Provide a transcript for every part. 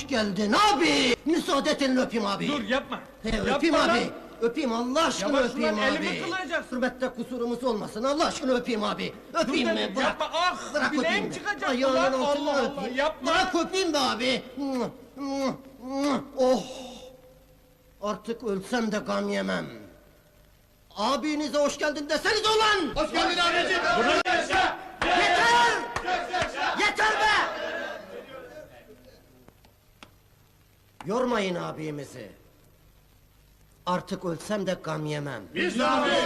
hoş geldin abi. Müsaade et elini öpeyim abi. Dur yapma. Öpeyim Yapma abi. lan. Öpeyim Allah aşkına Yavaş öpeyim ulan, abi. elimi kıracaksın. Hürmette kusurumuz olmasın Allah aşkına öpeyim abi. Öpeyim Dur mi? dedim, Bırak. yapma, ah, Bırak bileğim öpeyim. çıkacak Ayağının ulan, altını Allah Allah, öpeyim. yapma. Bırak öpeyim be abi. Oh. Artık ölsem de gam yemem. Abinize hoş geldin deseniz ulan. Hoş geldin abicim. Yeter! Yeter be! Yormayın abimizi. Artık ölsem de gam yemem. Biz de abi.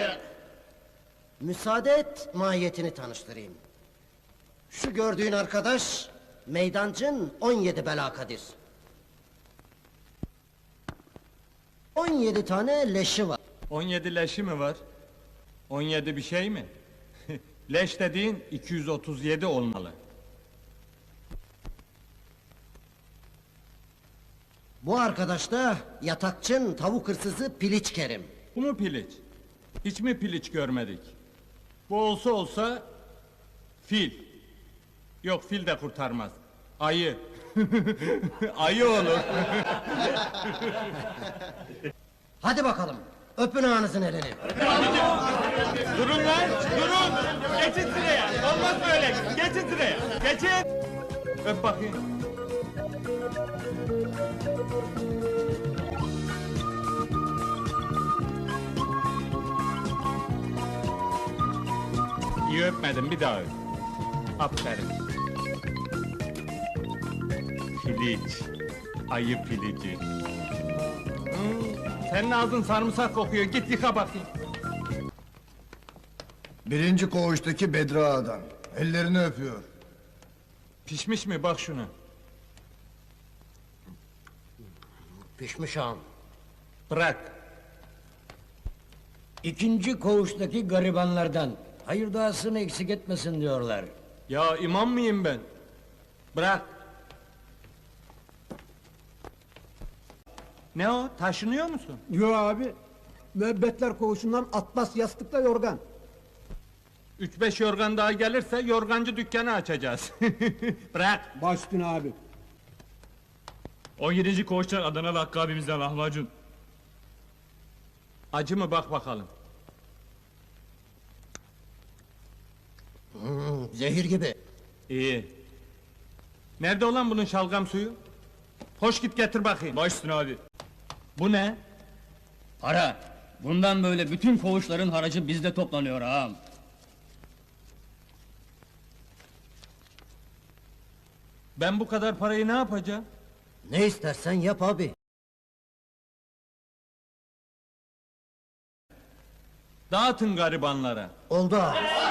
Müsaade et, mahiyetini tanıştırayım. Şu gördüğün arkadaş, meydancın 17 belakadir. 17 tane leşi var. 17 leşi mi var? 17 bir şey mi? Leş dediğin 237 olmalı. Bu arkadaş da yatakçın, tavuk hırsızı Piliç Kerim. Bu mu piliç? Hiç mi piliç görmedik? Bu olsa fil. Yok, fil de kurtarmaz. Ayı. Ayı olur. Hadi bakalım, öpün ağanızın elini. Durun lan, durun! Geçin sıraya, olmaz böyle! Geçin sıraya, geçin! Öp bakayım. İyi öpmedim, bir daha öp. Aferin. Piliç, ayı pilici. Senin ağzın sarımsak kokuyor, git yıka bakayım. Birinci koğuştaki Bedri Ağa'dan. Ellerini öpüyor. Pişmiş mi, bak şuna. Pişmiş ağam. Bırak. İkinci koğuştaki garibanlardan. Hayır duasını eksik etmesin diyorlar. Ya imam mıyım ben? Bırak. Ne o, taşınıyor musun? Yo abi, müebbetler koğuşundan atlas yastıkla yorgan. 3-5 yorgan daha gelirse yorgancı dükkanı açacağız. Bırak. Baş üstüne abi. 17. koğuştan Adanalı Hakkı abimizden lahmacun. Acı mı, bak bakalım. Zehir gibi. İyi. Nerede olan bunun şalgam suyu? Hoş git getir bakayım. Baş üstüne abi. Bu ne? Para. Bundan böyle bütün koğuşların haracı bizde toplanıyor ağam. Ben bu kadar parayı ne yapacağım? Ne istersen yap abi. Dağıtın garibanlara. Oldu abi.